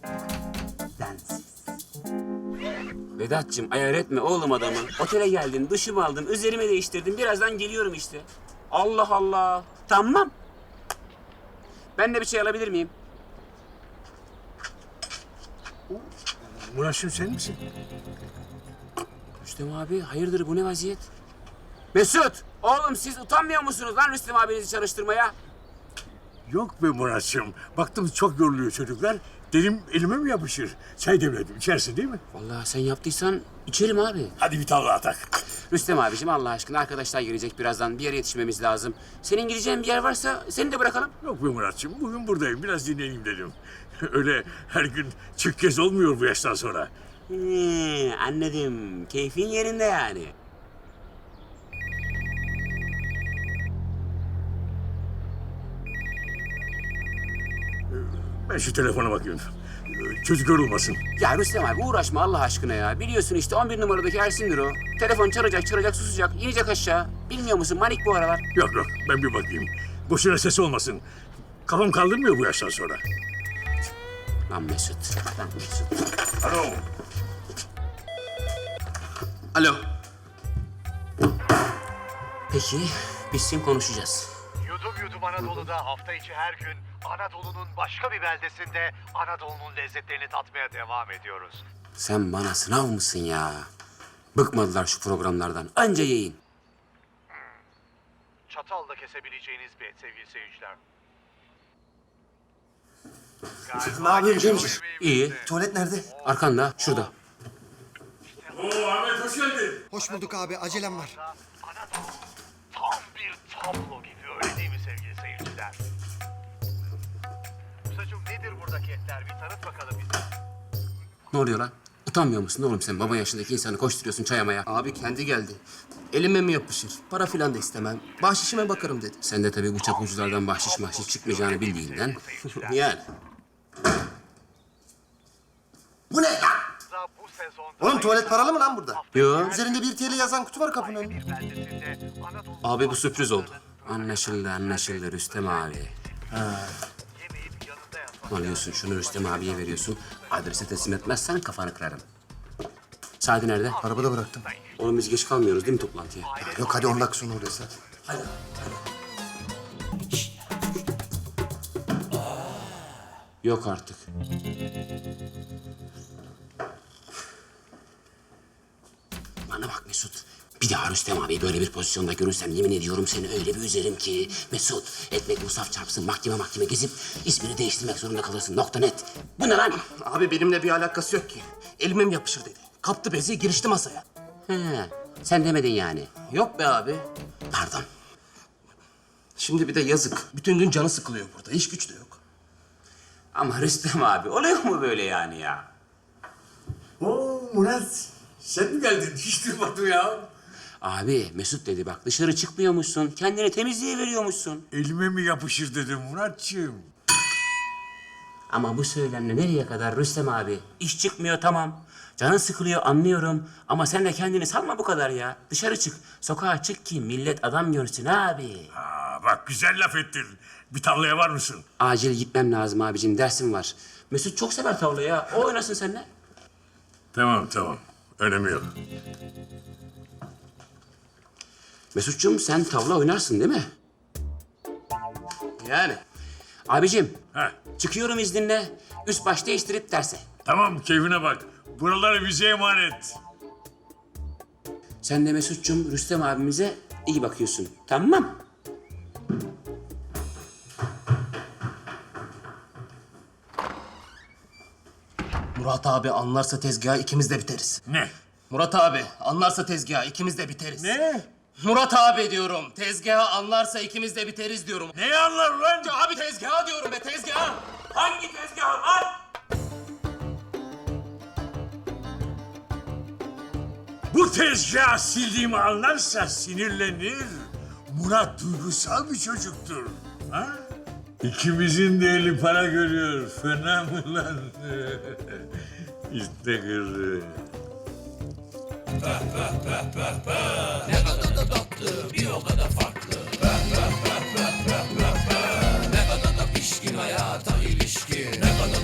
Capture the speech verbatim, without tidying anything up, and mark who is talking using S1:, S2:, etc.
S1: Densiz.
S2: Vedat'cığım ayar etme oğlum adamı. Otele geldin, duşumu aldım, üzerimi değiştirdim. Birazdan geliyorum işte. Allah Allah. Tamam. Ben de bir şey alabilir miyim?
S3: Murat'cığım sen misin?
S2: Rüstem abi hayırdır bu ne vaziyet? Mesut! Oğlum siz utanmıyor musunuz lan Rüstem abinizi çalıştırmaya?
S3: Yok be Murat'cığım. Baktım çok yoruluyor çocuklar. Dedim elime mi yapışır? Çay demledim. İçersin değil mi?
S2: Vallahi sen yaptıysan içerim abi.
S3: Hadi bir tavla atak.
S2: Rüstem abicim Allah aşkına arkadaşlar gelecek birazdan. Bir yere yetişmemiz lazım. Senin gideceğin bir yer varsa seni de bırakalım.
S3: Yok be Murat'cığım. Bugün buradayım. Biraz dinleneyim dedim. Öyle her gün çık gez olmuyor bu yaştan sonra.
S2: He, anladım. Keyfin yerinde yani.
S3: Ben şu telefona bakayım. Çocuk yorulmasın.
S2: Ya Rüstem abi uğraşma Allah aşkına ya. Biliyorsun işte on bir numaradaki Ersin'dir o. Telefon çalacak, çalacak, susacak, inecek aşağı. Bilmiyor musun manik bu aralar.
S3: Yok yok ben bir bakayım. Boşuna ses olmasın. Kafam kaldırmıyor bu yaştan sonra.
S2: Lan Mesut, lan Mesut.
S3: Alo.
S4: Alo.
S2: Peki, biz şimdi konuşacağız.
S5: Yudum Yudum Anadolu'da hafta içi her gün Anadolu'nun başka bir beldesinde Anadolu'nun lezzetlerini tatmaya devam ediyoruz.
S2: Sen bana sınav mısın ya? Bıkmadılar şu programlardan. Anca yiyin.
S5: Çatalla kesebileceğiniz bir et sevgili seyirciler.
S4: Ne yapıyorsun Cemciğim?
S2: İyi.
S4: Tuvalet nerede?
S2: Arkanda, şurada.
S3: Oo Ahmet hoş geldin.
S4: Hoş bulduk abi, acelem var.
S5: Anadolu tam bir tablo gibi öyle değil mi sevgili seyirciler? Ustacığım nedir buradaki etler? Bir tanıt bakalım bize.
S2: Ne oluyor lan? Utanmıyor musun oğlum sen? Baba yaşındaki insanı koşturuyorsun çayamaya.
S4: Abi kendi geldi. Elime mi yapışır? Para filan da istemem. Bahşişime bakarım dedi.
S2: Sen de tabii bu çapulculardan bahşiş mahşiş çıkmayacağını bildiğinden. Yani.
S4: Bu ne lan?
S5: Bu sezonda
S4: Oğlum tuvalet paralı mı lan burada?
S2: Yo.
S4: Üzerinde bir T L yazan kutu var kapının önünde.
S5: bir beldesinde Anadolu
S4: Abi bu sürpriz oldu.
S2: Anlaşıldı, anlaşıldı Rüstem abi.
S5: yemeyip yanında yatmak.
S2: Alıyorsun şunu Rüstem abiye veriyorsun. Adrese teslim etmezsen kafanı kırarım. Sadi nerede?
S4: Arabada bıraktım.
S2: Oğlum biz geç kalmıyoruz değil mi toplantıya?
S4: Yok hadi on dakika sonra oradayız hadi.
S2: Yok artık. Bana bak Mesut. Bir daha Rüstem abi böyle bir pozisyonda görürsem yemin ediyorum seni öyle bir üzerim ki... Mesut, ekmek musaf çarpsın, mahkeme mahkeme gezip ismini değiştirmek zorunda kalırsın. Nokta net. Bu ne lan?
S4: Abi benimle bir alakası yok ki. Elime mi yapışır dedi. Kaptı bezi girişti masaya.
S2: He, sen demedin yani.
S4: Yok be abi.
S2: Pardon.
S4: Şimdi bir de yazık. Bütün gün canı sıkılıyor burada. İş güç de yok.
S2: Ama Rüstem abi oluyor mu böyle yani ya?
S3: Oo Murat. Sen mi geldin? Hiç duymadım ya.
S2: Abi Mesut dedi bak dışarı çıkmıyormuşsun. Kendini temizliğe veriyormuşsun.
S3: Elime mi yapışır dedim Murat'cığım.
S2: Ama bu söylemle nereye kadar Rüstem abi? İş çıkmıyor tamam. Canın sıkılıyor anlıyorum. Ama sen de kendini salma bu kadar ya. Dışarı çık. Sokağa çık ki millet adam görsün abi.
S3: Aa, bak güzel laf ettin. Bir tavlaya var mısın?
S2: Acil gitmem lazım abicim. Dersim var. Mesut çok sever tavlayı ya. O oynasın seninle.
S3: Tamam tamam. Önemi yok.
S2: Mesut'cum sen tavla oynarsın değil mi?
S4: Yani.
S2: Abicim
S3: Heh.
S2: çıkıyorum izninle. Üst baş değiştirip derse.
S3: Tamam keyfine bak. Buraları bize emanet.
S2: Sen de Mesut'cum Rüstem abimize iyi bakıyorsun. Tamam.
S4: Murat abi anlarsa tezgahı ikimiz de biteriz.
S3: Ne?
S4: Murat abi anlarsa tezgahı ikimiz de biteriz.
S3: Ne?
S4: Murat abi diyorum. Tezgahı anlarsa ikimiz de biteriz diyorum.
S3: Ne anlar lan?
S4: Abi tezgahı diyorum be tezgahı.
S2: Hangi tezgah lan?
S3: Bu tezgah sildiğimi anlarsa sinirlenir. Murat duygusal bir çocuktur. Ha? İkimizin de eli para görüyor. Fena mı lan? İşte kırdı.
S6: Ne kadar da tatlı, bir o kadar farklı.